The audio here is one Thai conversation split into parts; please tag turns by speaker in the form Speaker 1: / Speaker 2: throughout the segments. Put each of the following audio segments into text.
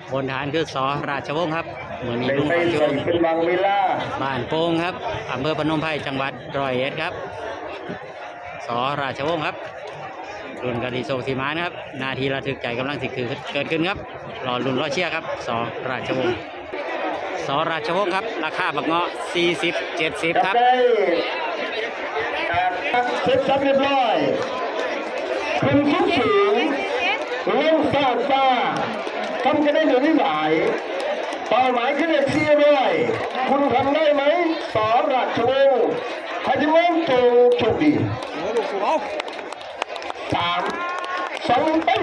Speaker 1: บนฐานคือสอราชวงศ์ครับเหมือนนี้ลุง
Speaker 2: ไป
Speaker 1: ช
Speaker 2: ส่
Speaker 1: ม
Speaker 2: งเป็นบางเวลา
Speaker 1: บ้านโป่งครับอำเภอพนมไพรจังหวัดร้อยเอ็ดครับสอราชวงศ์ครับรุ่นกะทิโซสีมานะครับนาทีระทึกใจกำลังสิคือเกิดขึ้นครับรอรุ่นรอเชียร์ครับสอราชวงศ์สอราชวงศ์ครับราคาบักเงาะ40-70ครับ
Speaker 2: ได้เสร็จสับเรียบร้อยคุณสูงสูงเล่นซาซาทำกันได้หรือไม่ไหวเป้าหมายคือเลข400คุณทำได้ไหมสอราชวงศ์ฮัจิมอนโจโชคดี3-2ไป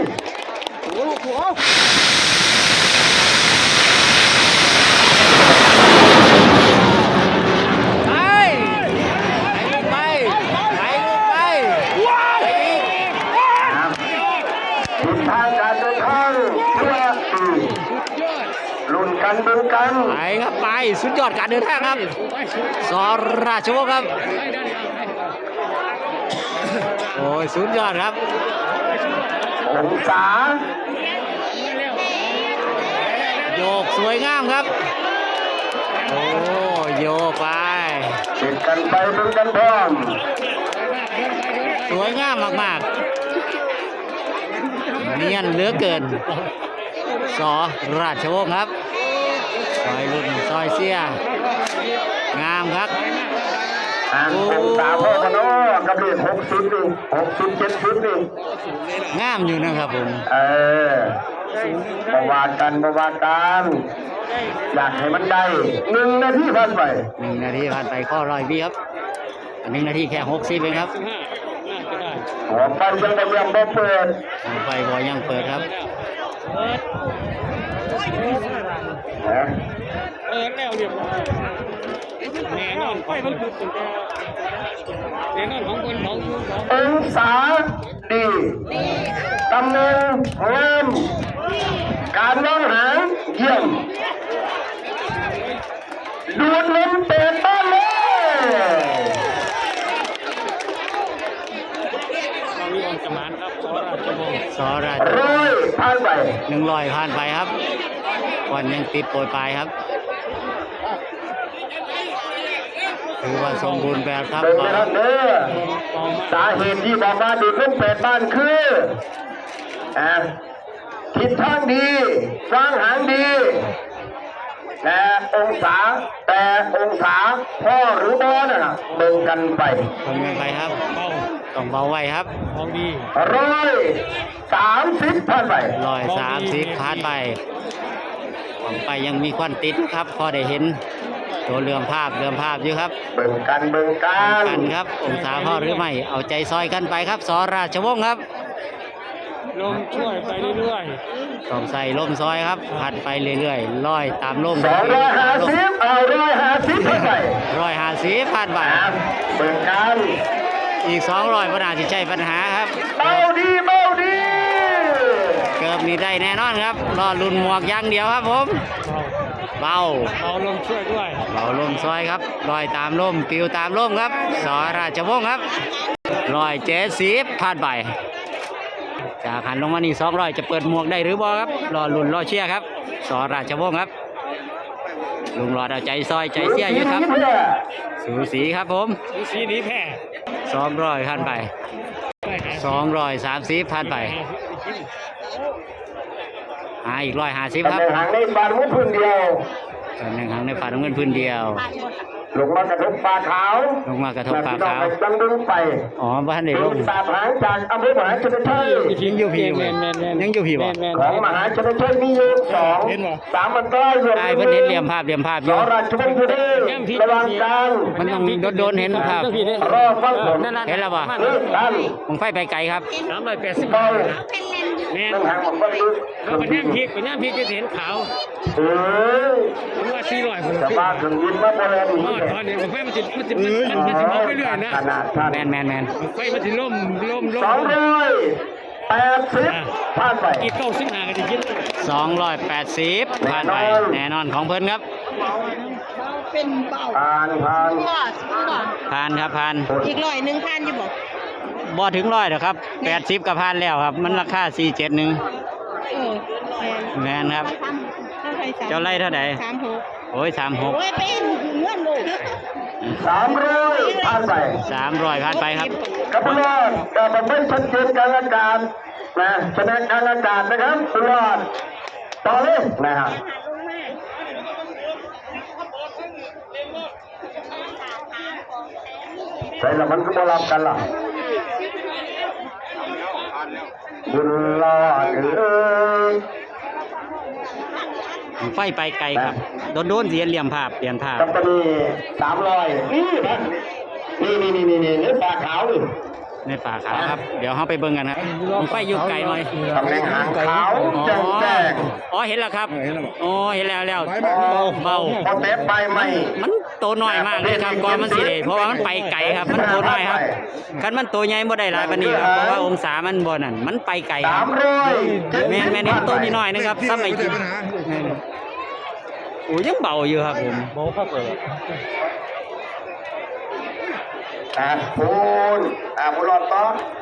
Speaker 2: ทิศทางการเดินทางเพื่อลุ้นกันเบิ่งกัน
Speaker 1: ไปครับไปสุดยอดการเดินทางครับสอราชวงศ์ครับโอ้ยสุดยอดครับ
Speaker 2: องศา
Speaker 1: โยกสวยงามครับโอ้โยกไป
Speaker 2: ติดกันไปเบิ่งกันพร้อม
Speaker 1: สวยงามมากๆเนียนเหลือเกินสอราชวงศ์ครับซอยรุ่นซอยเสียงามครับ
Speaker 2: องศาพ่อพนกับเลข60นี่60 70นี่
Speaker 1: งามอยู่นะครับผม
Speaker 2: ประวัติกันอยากให้มันได้1 นาทีผ่านไป
Speaker 1: 1 นาทีผ่านไปข้อร้อยวิครับ1 นาทีแค่60เองครับ
Speaker 2: หัวไฟยังบ่ยังบ่เปิด
Speaker 1: ไฟบอยังเปิดครับ
Speaker 2: นะ
Speaker 3: แล้วเรียบร้อยแน่นอนไฟมันคือตั้งแต่แน่นอนของคนของยูของ
Speaker 2: องศาดีตำแหน่งงามการมองหางเยี่ยมดูดลมเปิดบ้านเลย
Speaker 3: เรามีองค์สมานครับสอราชวงศ์
Speaker 1: สอราช
Speaker 2: 100ผ่านไป
Speaker 1: 100ผ่านไปครับวันยังติดโปรยปลายครับถือว่าสมบูรณ์แบบครับ
Speaker 2: เป็นนะครับเด้อสาเหตุที่บอกว่าดูดลมเปิดบ้านคือทิศทางดีวางหางดีแต่องศาพ่อหรือบอน่ะเบิ่งกันไป
Speaker 1: คนกันไปครับ
Speaker 3: เบา
Speaker 1: ต้องเบาไว้ครับ
Speaker 3: ของดี
Speaker 2: 130ผ่านไป
Speaker 1: 130ผ่านไปของไปยังมีควันติดครับพอได้เห็นตัวเรือภาพอยู่ครับ
Speaker 2: เบิ่งกัน
Speaker 1: กันครับองศาพ่อหรือไม่เอาใจซอยกันไปครับสอราชวงศ์ครับ
Speaker 3: ลมช่วยไปเรื่อย
Speaker 1: ต้องใส่ลมซอยครับพัดไปเรื่อยๆลอยตามลม
Speaker 2: 250เอา150ผ่านไป
Speaker 1: 150ผ่านไป
Speaker 2: เบิ่งกัน
Speaker 1: อีก200ปัญหาที่ใช่ปัญหาครับ
Speaker 2: เบาดี
Speaker 1: เกือบมีได้แน่นอนครับรอลุ้นหมวกอย่างเดียวครับผม
Speaker 3: ๆ
Speaker 1: เบา
Speaker 3: เบาลมช่วยด้วย
Speaker 1: เบาลมซอยครับลอยตามลมปิวตามลมครับสอราชวงศ์ครับ170ผ่านไปจากหันลงมานี่200จะเปิดหมวกได้หรือบ่ครับรอลุ้นรอเชียร์ครับสอราชวงศ์ครับลุงหลอดเอาใจซอยใจเสียอยู่ครับสูสีครับผม
Speaker 3: สีนี้แพ้
Speaker 1: 200ผ่านไป230ผ่านไปอีก150ครับ
Speaker 2: ตำแหน่งหางในบานมุ้งพื้นเดียว
Speaker 1: ตำแหน่งหางในฝ่าน้ำเงินพื้นเดียว
Speaker 2: ลงมากระทบปลาขาว
Speaker 1: ลงมากระทบปลาขาว
Speaker 2: ดังดึงไป
Speaker 1: อ๋อบ้านเด็กล
Speaker 2: ล
Speaker 1: ง
Speaker 2: งตาหางจากอำเภอมหาชนชัย
Speaker 1: ยังอยู่พี่บ่ยังอยู่พี่บ่
Speaker 2: ของมหาชนชัยมีอยู่3มันก็รวม
Speaker 1: ได้เพิ่นเห็นเหลี่ยมภาพอ
Speaker 2: ส
Speaker 1: ยู่
Speaker 2: อราชวงศ์อยู่ดีระวังกัน
Speaker 1: มันต้องโดนเห็นภาพ
Speaker 2: รอฟังผล
Speaker 1: เห็นแล้วบ่
Speaker 2: เลิกกัน
Speaker 1: ผมไฟไปไกลครับ
Speaker 3: 380
Speaker 2: เบา
Speaker 3: แม่
Speaker 2: ต้องหางผมก็ลึก
Speaker 3: แล้วมันย่างพริกจะเห็นขาว
Speaker 2: เออ
Speaker 3: ผมว่า400คน
Speaker 2: จะมาถึงยินมาโบราณ
Speaker 3: มอดตอนนี้ผมไฟมันจะมองไปเรื่อยนะ
Speaker 2: ขนาดท่าน
Speaker 1: แมน
Speaker 3: ไฟมันจะล่ม
Speaker 2: 280ผ่านไป
Speaker 3: กี่95ก็จะคิด
Speaker 1: 280ผ่านไปแน่นอนของเพิ่นครับ
Speaker 4: เป็นเบา
Speaker 2: ผ่าน
Speaker 4: ก็บ่
Speaker 1: ผ่านครับผ่าน
Speaker 4: อีก100พันอยู่บ่
Speaker 1: บ่ถึง100หรอกครับ80ก็ผ่านแล้วครับ มันราคา471
Speaker 4: เออ
Speaker 1: แม่นครับ
Speaker 4: ทำ
Speaker 1: เจ้าไล่เท่าไหร่
Speaker 4: 36
Speaker 1: โอ้ย36
Speaker 4: โอ้ยเป็นเงื่อนลูก
Speaker 2: 300ผ่านไป
Speaker 1: 300ผ่านไปครับ
Speaker 2: ครับคุณรอดแต่ผมไม่ชัดเจนการละการนะแสดงการละการนะครับคุณรอดต่อเลยนะครับใช่แล้วมันก็มารับกันล่ะบุญรอดเอ้ย
Speaker 1: ไฟไปไกลครับโดนเสียเหลี่ยมภาพเปลี่ยนภาพ
Speaker 2: กับตอนนี้300นี่เนื้อปลาขาวเลย
Speaker 1: ในฝาขาวครับ เดี๋ยวเราไปเบิ่งกันครับไฟอยู่ไกลหน่อย
Speaker 2: ตำแหน่งหางขาว
Speaker 1: อ๋อ
Speaker 2: แจ้งแจ้ง
Speaker 1: อ๋อเห็นแล้วครับอ๋อเห็นแล้วเบา
Speaker 2: พอเตะไปไม่
Speaker 1: มันโตน้อยมากเลยครับก่อนมันสิได้เพราะว่ามันไปไกลครับ มันโตน้อยครับคันมันโตใหญ่บ่ได้หลายปานนี้ครับเพราะว่าองศามันบ่นั่นมันไปไกลครับ
Speaker 2: 300
Speaker 1: แม่นเห็นตัวนิดหน่อยนึงครับซ้ำไอ้กินโอ้ยังเบาอยู่ครับผม
Speaker 2: พูนพูนรอดต่อ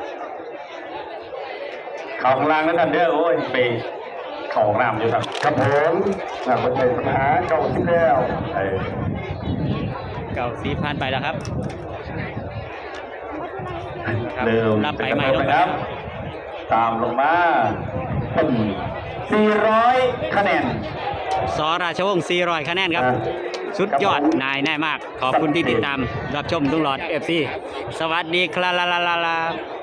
Speaker 2: เขาข้างล่างนั่นเด้อโอ้ยไปของน้ำอยู่ครับครับผมคนไทยปัญหาเก่าที่แล้ว
Speaker 1: เก่าสีผ่านไปแล้วครับ
Speaker 2: เริ่ม
Speaker 1: รับไปใหม่ลง
Speaker 2: ครับ ตามลงมาเป็น400 คะแนน
Speaker 1: สราชวงศ์400 คะแนนครับ สุดยอดนายแน่มาก ขอบคุณที่ติดตามรับชมทุกหลอด FC สวัสดีครับ